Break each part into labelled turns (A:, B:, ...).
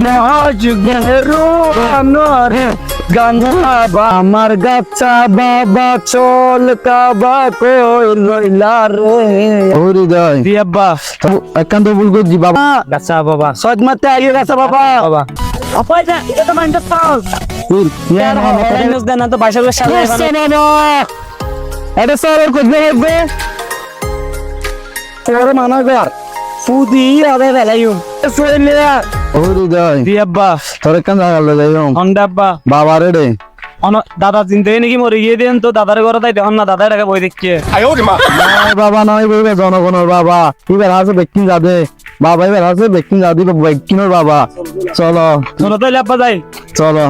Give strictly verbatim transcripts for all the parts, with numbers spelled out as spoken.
A: আমার গাছা বাবা চল কাবা কই লইলা রে হৃদয়
B: জি আব্বা
A: একান্ত ভুল করছি বাবা
B: গাছা বাবা
A: সজ মারতে আগে গাছা বাবা
B: বাবা আপা এটা এটা তো মাইন্ড পাস ইয়ার হরেন নিউজ দেন না তো বাইশ সালে
A: এটা স্যার করতে হবে তোর মানা গার
B: ফুদি আবে বেলাইও
A: হৃদয়
B: জি আব্বা
A: তোর একান্ত জায়গা যাইম
B: হন্ডা আব্বা
A: বাবা রে
B: অন দাদা চিন্তা নাকি মরে গিয়ে দেন তো দাদার ঘরে তাই দেখুন না দাদার টাকা বই দেখছে
A: নয় বাবা নয় বলবে জনগণের বাবা এবার আছে ব্যক্তি যাবে বাবা এবার আছে ব্যক্তি যাবে ব্যক্তির বাবা চলো
B: চলো তাইলে আব্বা যাই
A: চলো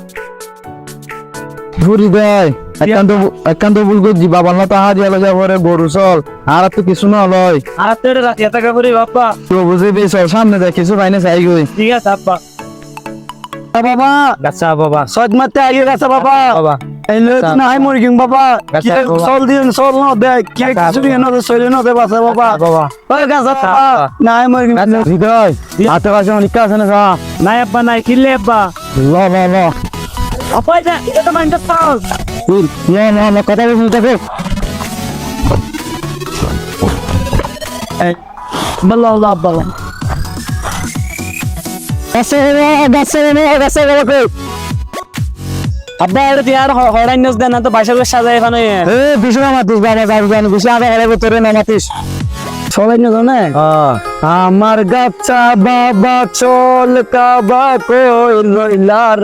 A: ঘুরি দেয় একান্ত একান্ত ভুল করছি বাবা না তাহার এলো যাবরে গরু চল আর তো কিছু না লয়
B: আর তো রাত এত টাকা করে বাপ্পা
A: তো বুঝে বেশ সামনে দেখ কিছু পাইনে চাই গই
B: ঠিক আছে আব্বা
A: বাবা
B: গাছা বাবা
A: সজ মারতে আগে গেছে বাবা
B: বাবা
A: এলে না হয় মরি কিং বাবা কি
B: গাছা বাবা।
A: চল দিন চল না দে কি কিছু দিন না চলে না দে বাসা বাবা
B: বাবা
A: ওই গাছা বাবা না হয় মরি কিং হৃদয় হাতে কাছে অনেক কাজ আছে না যা
B: নাই আব্বা নাই কিনলে আব্বা
A: ল ল ল
B: আপা এটা এটা তো মাইন্ড পাস
A: তুই ল ল ল কথা বলছিস দেখো
B: বল্লা আল্লাহ আব্বা
A: গাছে রে গাছে রে গাছে রে
B: আব্বা এটা ইয়ার হরেন নিউজ দেন না তো বাইশ সালে এখানে
A: এ বিষ্ণু মাতিস বাবা যাই জানি বুঝি আবে হেরে ভিতরে না মাতিস সবাই না জানে আমার গাছা বাবা চল কাবা কই লইলা